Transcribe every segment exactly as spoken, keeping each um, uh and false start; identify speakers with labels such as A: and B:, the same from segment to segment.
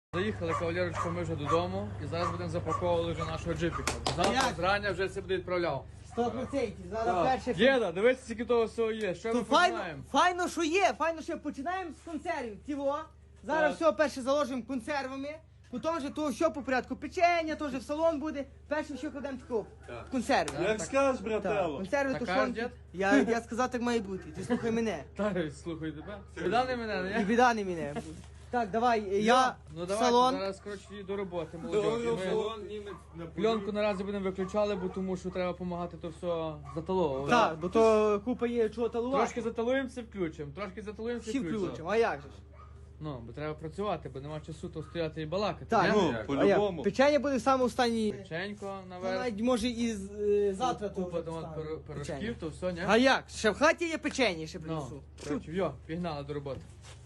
A: Заїхали, кавалерочка, ми вже додому і зараз будемо запаковувати вже нашого джипіка. Завтра
B: Як?
A: зрання вже це буде відправляв.
B: Сто процентів. Зараз перше.
A: Діда, дивись, скільки того всього є. Що
B: То
A: ми
B: файно,
A: починаємо?
B: файно, що є, файно, що починаємо з консервів. Тіво. Зараз
A: Так.
B: все перше заложимо консервами. Потім вже то що по порядку печення, то вже в салон буде. Перше що кладемо таку консерви.
C: Як скажеш,
B: Так,
C: брателло.
B: консерви,
A: Так
B: тушонки.
A: кажеш,
B: Я, я сказав, так має бути. Ти слухай мене.
A: Та, слухай тебе. Біда не мене,
B: І
A: не?
B: біда не мене. Так, давай, я
A: Ну
B: в
A: давайте,
B: салон.
A: зараз, коротше, і до роботи, молодь. Ми
C: Салон німець на
A: пленку наразі будемо виключали, бо тому що треба допомагати то все заталовувати.
B: Так, бо то купа є чого талувати.
A: Трошки заталуємося, включимо, трошки заталуємося,
B: Всі
A: включимо.
B: включимо, а як же ж?
A: Ну, бо треба працювати, бо нема часу то стояти і балакати.
B: Так,
A: ні?
C: Ну,
B: а як?
C: по-любому.
B: Печення буде саме останній.
A: Печенько
B: Ну,
A: наверх.
B: навіть може і з- е, завтра то
A: Купа
B: вже
A: там от
B: встане.
A: пиро-
B: Печення.
A: пирожків, то все, ні?
B: А як? Ще в хаті є печення, ще
A: Ну,
B: принесу.
A: коротше, йо, пігнали до роботи.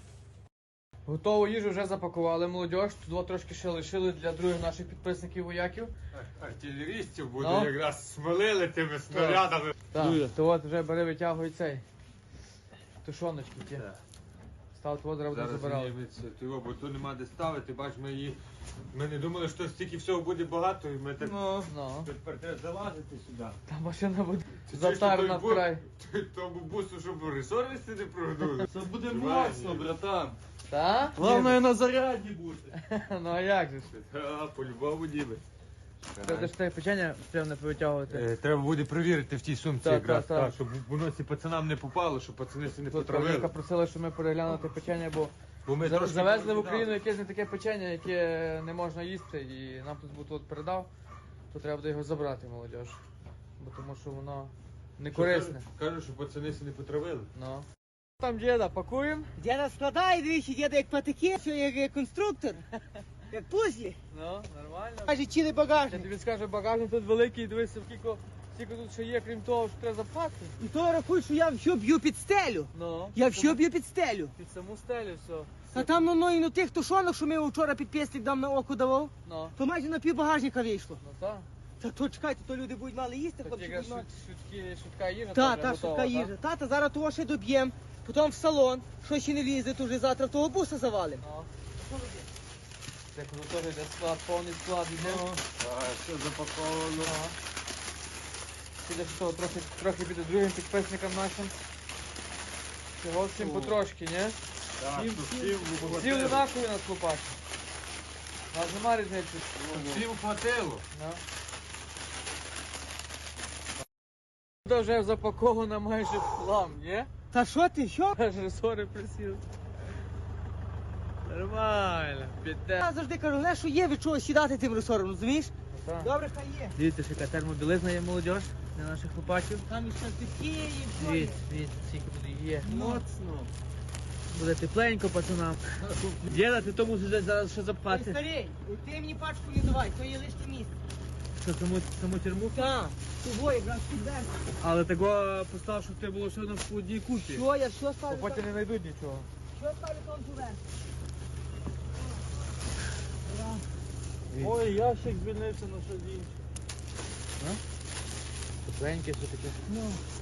A: Готову їжу вже запакували, молодь. Тут трошки ще лишили для других наших підписників вояків.
C: Артилерістів буде
A: Ну.
C: якраз смолили тими снарядами.
A: Так, то от вже бери витягуй цей. Тушоночки ті.
C: Так.
A: Став того зараз буде
C: Зараз
A: забирали.
C: німець, того, бо тут нема де ставити, бач, ми її... Ми не думали, що стільки всього буде багато, і ми так...
A: Ну, ну.
C: Тепер треба залазити сюди.
A: Та машина буде
C: Чи
A: затарна
C: той бу-
A: вкрай.
C: той- Тому бусу, щоб ресурси не прогнули.
D: Це буде
C: Триває.
D: моцно, братан.
A: Та?
D: Головне на заряді бути.
A: Ну а як же ж?
C: А, по-любому ніби.
A: Треба ж те печення прямо не повитягувати.
C: Е, Треба буде перевірити в тій сумці
A: Так,
C: якраз,
A: так, так.
C: так, щоб воно ці пацанам не попало, щоб пацани си не
A: Тут
C: потравили.
A: Равліка просила, щоб ми переглянули те печення, бо
C: Бо ми
A: за-
C: трошки
A: завезли в
C: перекидали.
A: Україну якесь не таке печення, яке не можна їсти, і нам тут був от передав, то треба буде його забрати, молодь. Бо тому що воно не корисне.
C: Кажуть, що пацани си не потравили.
A: Ну. Там діда, пакуємо.
B: Діда складає, дивіться, діда як патики, що як, як конструктор, як пузлі.
A: Ну, нормально.
B: Каже, цілий
A: Я
B: багажник.
A: тобі скажу, багажник тут великий, дивися, скільки, скільки тут ще є, крім того, що треба запхати.
B: І то рахуй, що я все б'ю під стелю.
A: Ну.
B: Я все б'ю під стелю.
A: Під саму стелю все.
B: А там ну, ну, і на тих тушонок, що ми вчора під пєслік дам на око давав,
A: Ну.
B: то майже на пів багажника вийшло.
A: Ну так.
B: Та то чекайте, то люди будуть мали їсти,
A: Тут
B: хлопці
A: якраз
B: будуть мали.
A: шут- шутки, шутка їжа.
B: Та,
A: теж
B: та,
A: готова,
B: швидка
A: та?
B: їжа. Тата, зараз того ще доб'єм, потім в салон, що ще не влізе, то вже завтра того буса завалим.
A: Ну. Так, ну теж йде склад, повний склад йде.
C: Так, все запаковано.
A: Ага. Піде що того, трохи, трохи піде другим підписникам нашим. Всього всім потрошки, ні?
C: Так,
A: Всім-
C: то
A: всім-
C: всім
A: Всі
C: хватило.
A: однакові нас лопачі. Нас нема різниці.
C: Всім хватило.
A: Ну. Тут вже запаковано майже в хлам, ні?
B: Та що ти, що?
A: Аж ресори присіли. Нормально, піде.
B: Я завжди кажу, не, що є від чого сідати тим ресором, розумієш?
A: Ну, так.
B: Добре, хай є.
A: Дивіться, яка термобілизна є молодь для наших хлопачів.
B: Там і шантики, і все є.
A: Дивіться, дивіться, скільки буде є.
B: Моцно.
A: Буде тепленько, пацанам. Діда, ти то мусиш десь зараз ще
B: Ой,
A: запхати.
B: старий, ти мені пачку не давай, то є лишнє місце.
A: Що, саму, саму тюрму?
B: Так, того якраз підеш.
A: Але того постав, щоб ти було все одно в одній купі.
B: Що, я що
A: Бо
B: ставлю?
A: потім
B: там?
A: не знайдуть нічого.
B: Що ставлю там туди?
D: Ой, ящик звільнився на щось інше.
A: Тепленьке, все таке.
B: Ну.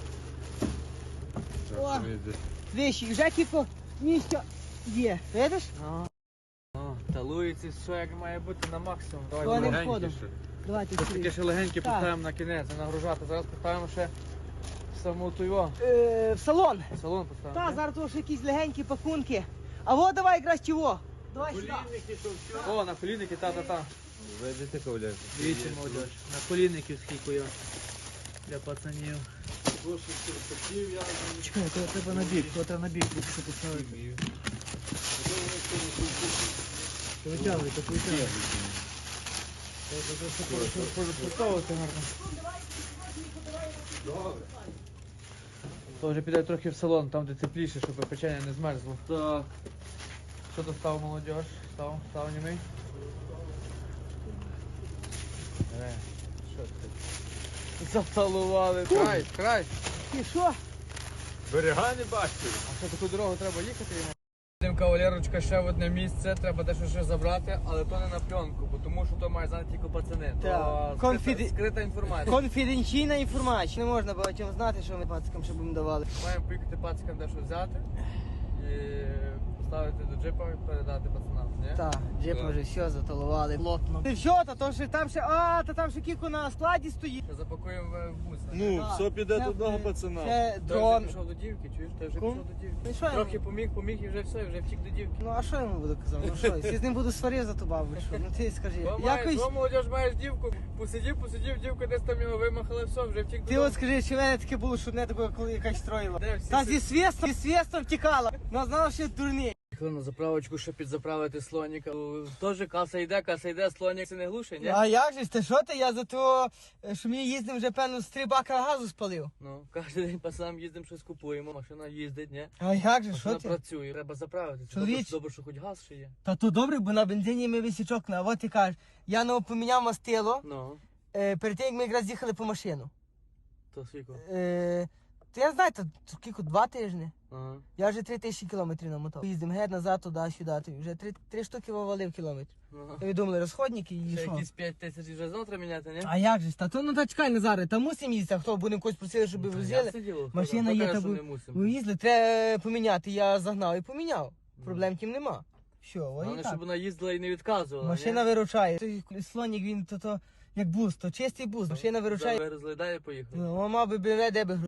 C: Так,
B: О.
C: ми десь-
B: Виші, вже кілько місця є. Видиш?
A: О, талується все як має бути на максимум. Давай,
B: То не
A: давай.
C: Легенькі
B: входом.
C: ще.
B: Давайте
A: Ось таке
B: сюди.
A: ще легеньке
B: Так.
A: поставимо на кінець, не нагружати. Зараз поставимо ще саму ту його.
B: Е, в салон.
A: Салон поставимо.
B: Та,
A: ні?
B: зараз того ще якісь легенькі пакунки. А во давай якраз чого. Давай сюди.
C: Колінники, то все.
A: О, на колінники, та-та-та.
C: Видите, кавалерка?
A: Дивіться, молодь. На колінників скільки його. Для пацанів.
D: Досить терпів, я
A: Чекай, то треба на бік, то треба на бік, щоб поставити. Витягуйте, витягуйте. Поставити гарно. То вже піде трохи в салон, там де тепліше, щоб печення не змерзло.
D: Так.
A: Що то став молодь? Став, став німий? Е, що ти? Заталували. Край, край.
B: І що?
C: Берега не бачите.
A: А що, таку дорогу треба їхати йому? Йдемо, кавалерочка, ще в одне місце, треба дещо ще забрати, але то не на пленку, бо тому що то має знати тільки пацани. То
B: Так.
A: скрита,
B: Конфіді-
A: скрита інформація.
B: Конфіденційна інформація. Не можна багатьом знати, що ми пацикам ще будемо давали.
A: Маємо поїхати пацикам дещо взяти і поставити до джипа і передати пацанам, ні?
B: Так, джип
C: Так.
B: вже все заталували плотно. Ти що, та то ще там ще, а, та там ще кіко на складі стоїть.
A: Ще запакуємо в бус.
D: Ну,
B: Так,
D: все піде
B: це,
D: до одного
B: е,
D: пацана.
B: Це
A: Ти вже
B: дрон.
A: пішов до дівки, чуєш? Ти вже
B: Кум?
A: пішов до дівки.
B: Ну, що я
A: Трохи
B: йому?
A: поміг, поміг і вже все, вже втік до дівки.
B: Ну а що я йому буду казати? Ну що, я з ним буду сварив за ту бабу, що? Ну ти скажи.
A: Бо маєш,
B: Якось,
A: бо молодіж маєш дівку, посидів, посидів, дівка десь там його вимахала, все, вже втік
B: ти
A: до
B: от скажи, чи в мене таке було, що не таке, коли якась строїла.
A: Де всі
B: Та
A: си-
B: зі свистом, зі свистом втікала. Ну знала, що дурний.
A: Їхали на заправочку, щоб підзаправити слоніка. Теж каса йде, каса йде, слонік це не глуше, ні?
B: А як же ж, ти що ти? Я за то, що ми їздимо вже певно з три бака газу спалив.
A: Ну, кожен день по сам їздимо, щось купуємо, машина їздить, ні?
B: А як же, що
A: Машина
B: ти?
A: працює, треба заправити. Це
B: Чоловіч.
A: добре, добре, що хоч газ ще є.
B: Та то добре, бо на бензині ми висічок на. От ти кажеш, я ну поміняв мастило,
A: Ну,
B: е, перед тим, як ми якраз їхали по машину.
A: то скільки?
B: Е, то я знаю, то скільки, два тижні.
A: Ага.
B: Я вже три тисячі кілометрів намотав. Їздимо геть назад, туди, сюди. Ти вже три, три штуки вивалив кілометрів.
A: Ага.
B: Ви думали, розходники і
A: Ще
B: що?
A: якісь п'ять тисяч вже завтра міняти, ні?
B: А як же ж? Та то ну та чекай Назаре, та мусимо їздити, а хто будемо когось просили, щоб
A: Ну, та
B: возили.
A: ясне діло, хто-
B: Машина
A: хто
B: є,
A: каже,
B: та
A: що
B: бу-
A: не мусимо.
B: Виїзли, треба поміняти. Я загнав і поміняв. Проблем тим нема. Що, ой,
A: Головне,
B: і так.
A: щоб вона їздила і не відказувала,
B: Машина
A: ні?
B: виручає. Той слонік він то, то як буст, то чистий буст. Машина виручає.
A: Розглядає, поїхали.
B: Ну, мав би БМВ, де би